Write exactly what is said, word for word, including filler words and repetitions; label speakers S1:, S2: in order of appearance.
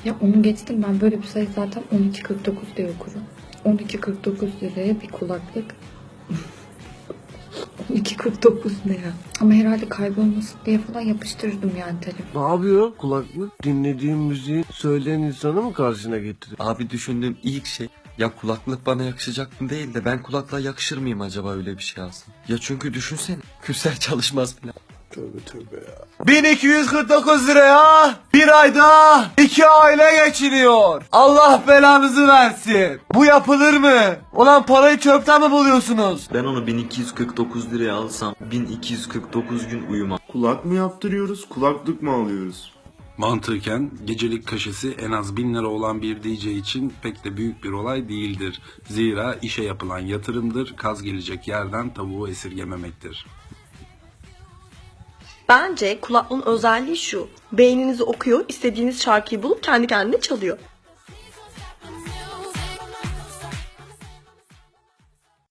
S1: Ya onu geçtim, ben böyle bir sayı zaten on iki kırk dokuz diye okurum. on iki kırk dokuz liraya bir kulaklık. on iki kırk dokuz ne ya? Ama herhalde kaybolmasın diye falan yapıştırdım yani telefonu.
S2: Ne yapıyor? Kulaklık dinlediğin müziği söyleyen insanı mı karşına getiriyor?
S3: Abi düşündüğüm ilk şey, ya kulaklık bana yakışacak mı değil de ben kulaklığa yakışır mıyım acaba öyle bir şey alsam? Ya çünkü düşünsene, küser çalışmaz falan.
S2: Tövbe tövbe ya. bin iki yüz kırk dokuz liraya bir ayda iki aile geçiniyor. Allah belanızı versin. Bu yapılır mı? Ulan parayı çöpten mi buluyorsunuz?
S3: Ben onu bin iki yüz kırk dokuz liraya alsam bin iki yüz kırk dokuz gün uyumam.
S4: Kulak mı yaptırıyoruz, kulaklık mı alıyoruz?
S5: Mantıken gecelik kaşesi en az bin lira olan bir D J için pek de büyük bir olay değildir. Zira işe yapılan yatırımdır, kaz gelecek yerden tavuğu esirgememektir.
S6: Bence kulaklığın özelliği şu: beyninizi okuyor, istediğiniz şarkıyı bulup kendi kendine çalıyor.